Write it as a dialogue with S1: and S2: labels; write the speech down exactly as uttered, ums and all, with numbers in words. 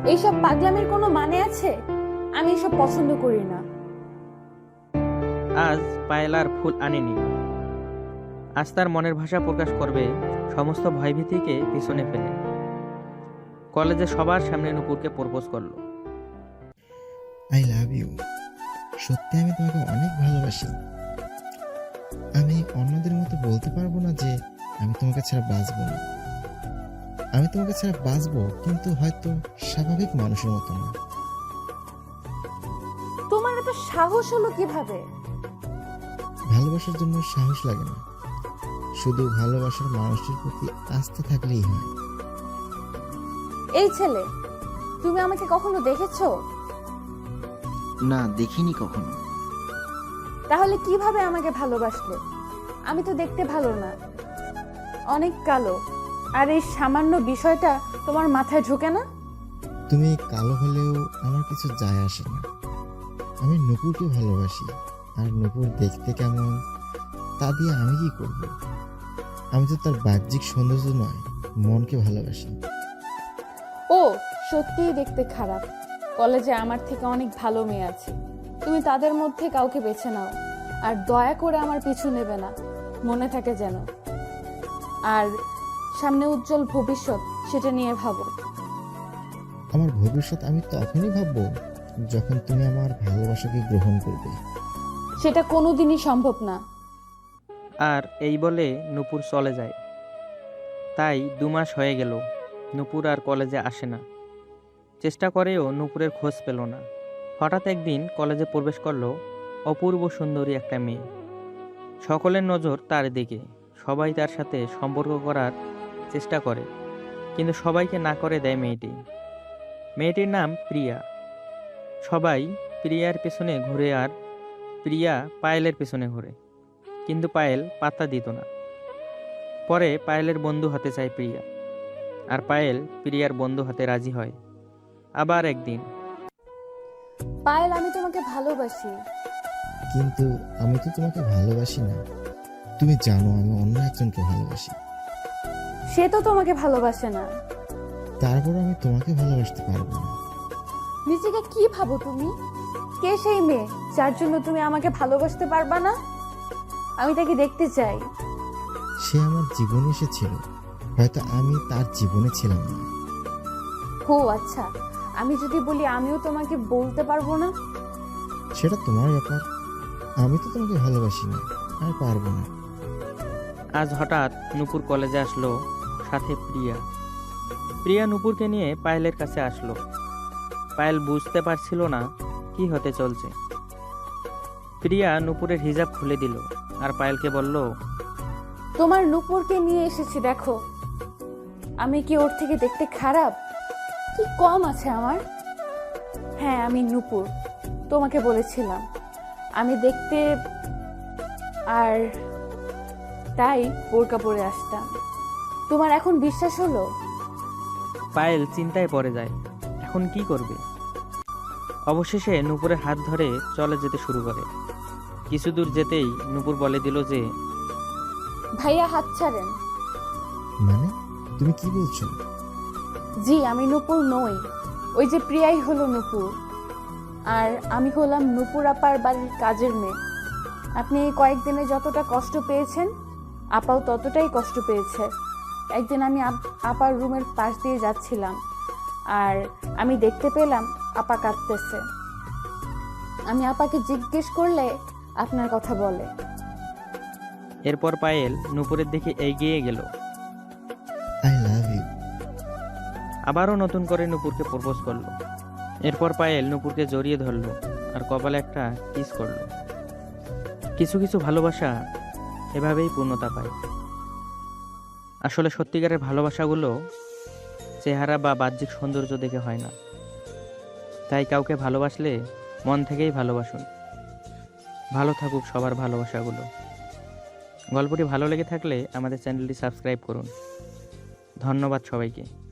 S1: এইসব পাগলামির কোনো মানে আছে? আমি এসব পছন্দ করি না।
S2: আজ পায়েল আর ফুল আনেনি। আজ তার মনের ভাষা প্রকাশ করবে সমস্ত ভয়ভীতিকে পিছনে ফেলে। কলেজে সবার সামনে নূপুরকে প্রপোজ করলো।
S3: I love you. সত্যি আমি তোমাকে অনেক ভালোবাসি। আমি অন্যদের মতো বলতে পারবো না যে আমি তোমাকে ছাড়া বাঁচবো না। আমি তোমাকে ছাড়া বাঁচবো, কিন্তু হয়তো স্বাভাবিক মানুষের মতো না।
S1: তোমার এত সাহস হলো কিভাবে?
S3: ভালোবাসার জন্য সাহস লাগে না, শুধু ভালোবাসার মানুষটির প্রতি আস্থা থাকলেই হয়।
S1: এই ছেলে, তুমি আমাকে কখনো দেখেছো?
S4: না, দেখিনি কখনো।
S1: তাহলে কিভাবে আমাকে ভালোবাসলে? আমি তো দেখতে ভালো না, অনেক কালো। আর এই সামান্য বিষয়টা তোমার মাথায় ঢোকে না?
S3: তুমি কালো হলেও আমার কিছু যায় আসে না। আমি নূপুরকে ভালোবাসি, আর নূপুর দেখতে কেমন তা দিয়ে আমি কি করব? আমি তো তার বাহ্যিক সৌন্দর্য নয়, মনকে ভালোবাসি।
S1: ও সত্যিই দেখতে খারাপ। কলেজে আমার থেকে অনেক ভালো মেয়ে আছে, তুমি তাদের মধ্যে কাউকে বেছে নাও। আর দয়া করে আমার পিছু নেবে না, মনে থাকে যেন। আর সামনে উজ্জ্বল ভবিষ্যৎ, সেটা নিয়ে ভাবো।
S3: আমার ভবিষ্যৎ আমি তখনই ভাববো যখন তুমি আমার ভালোবাসাকে গ্রহণ করবে।
S1: সেটা কোনোদিনই সম্ভব না।
S2: আর এই বলে নূপুর চলে যায়। তাই দু মাস হয়ে গেল নূপুর আর কলেজে আসে না। চেষ্টা করেও নূপুরের খোঁজ পেল না। হঠাৎ একদিন কলেজে প্রবেশ করলো অপূর্ব সুন্দরী একটা মেয়ে। সকলের নজর তার দিকে। সবাই তার সাথে সম্পর্ক করার চেষ্টা করে, কিন্তু সবাইকে না করে দেয় মেয়েটি। মেয়েটির নাম প্রিয়া। সবাই প্রিয়ার পেছনে ঘুরে, আর প্রিয়া পায়েলের পেছনে ঘুরে, কিন্তু পায়েল পাত্তা দিত না। পরে পায়েলের বন্ধু হতে চায় প্রিয়া, আর পায়েল প্রিয়ার বন্ধু হতে রাজি হয়। আবার একদিন,
S1: পায়েল, আমি তোমাকে ভালোবাসি।
S3: কিন্তু আমি তো তোমাকে ভালোবাসি না। তুমি জানো আমি অন্য একজনকে ভালোবাসি।
S1: সে তো তোমাকে ভালোবাসে না।
S3: তারপর আমি তোমাকে ভালোবাসতে পারবো না।
S1: নিজেকে কি ভাবো তুমি? কে সেই মেয়ে যার জন্য তুমি আমাকে ভালোবাসতে পারবা না? আমি তাকে দেখতে চাই।
S3: সে আমার জীবনে এসেছিল, হয়তো আমি তার জীবনে ছিলাম না।
S1: হো আচ্ছা, আমি যদি বলি আমিও তোমাকে বলতে পারবো না?
S3: সেটা তোমার ব্যাপার। আমি তো তোমাকে ভালোবাসি না, আর পারবো না।
S2: আজ হঠাৎ নূপুর কলেজে আসলো, সাথে প্রিয়া। প্রিয়া নূপুরকে নিয়ে পায়েলের কাছে আসলো। পায়েল বুঝতে পারছিল না কি হতে চলছে। প্রিয়া নূপুরের হিজাব খুলে দিল, আর পায়েলকে বলল,
S1: তোমার নূপুরকে নিয়ে এসেছি, দেখো। আমি কি ওর থেকে দেখতে খারাপ? কি কম আছে আমার? হ্যাঁ, আমি নূপুর, তোমাকে বলেছিলাম আমি দেখতে, আর তাই বোরকা পরে আসতাম। তোমার এখন বিশ্বাস হলো?
S2: পায়েল চিন্তায় পড়ে যায়, এখন কি করবে। অবশেষে নূপুরের হাত ধরে চলে যেতে শুরু করে। কিছু দূর যেতেই নূপুর বলে দিল যে,
S1: ভাইয়া, হাত ছাড়েন।
S3: মানে তুমি কি বলছো?
S1: জি, আমি নূপুর নই। ওই যে প্রিয়াই হলো নূপুর, আর আমি হলাম নূপুর আপার বাড়ির কাজের মেয়ে। আপনি এই কয়েকদিনে যতটা কষ্ট পেয়েছেন, আপাও ততটাই কষ্ট পেয়েছে। একদিন আমি আপ- আপার রুমের পাশ দিয়ে যাচ্ছিলাম, আর আমি দেখতে পেলাম আপা কাঁদতেছে। আমি আপাকে জিজ্ঞেস করলে আপনার কথা বলে।
S2: এরপর পায়েল নূপুরের দিকে এগিয়ে গেল।
S3: I love you.
S2: আবারও নতুন করে নূপুরকে প্রপোজ করলো। এরপর পায়েল নূপুরকে জড়িয়ে ধরলো, আর কপালে একটা কিস করলো। কিছু কিছু ভালোবাসা এভাবেই পূর্ণতা পায়। আসলে সত্যিকারের ভালোবাসাগুলো চেহারা বা বাহ্যিক সৌন্দর্য দেখে হয় না। তাই কাউকে ভালোবাসলে মন থেকেই ভালোবাসুন। ভালো থাকুক সবার ভালোবাসাগুলো। গল্পটি ভালো লেগে থাকলে আমাদের চ্যানেলটি সাবস্ক্রাইব করুন। ধন্যবাদ সবাইকে।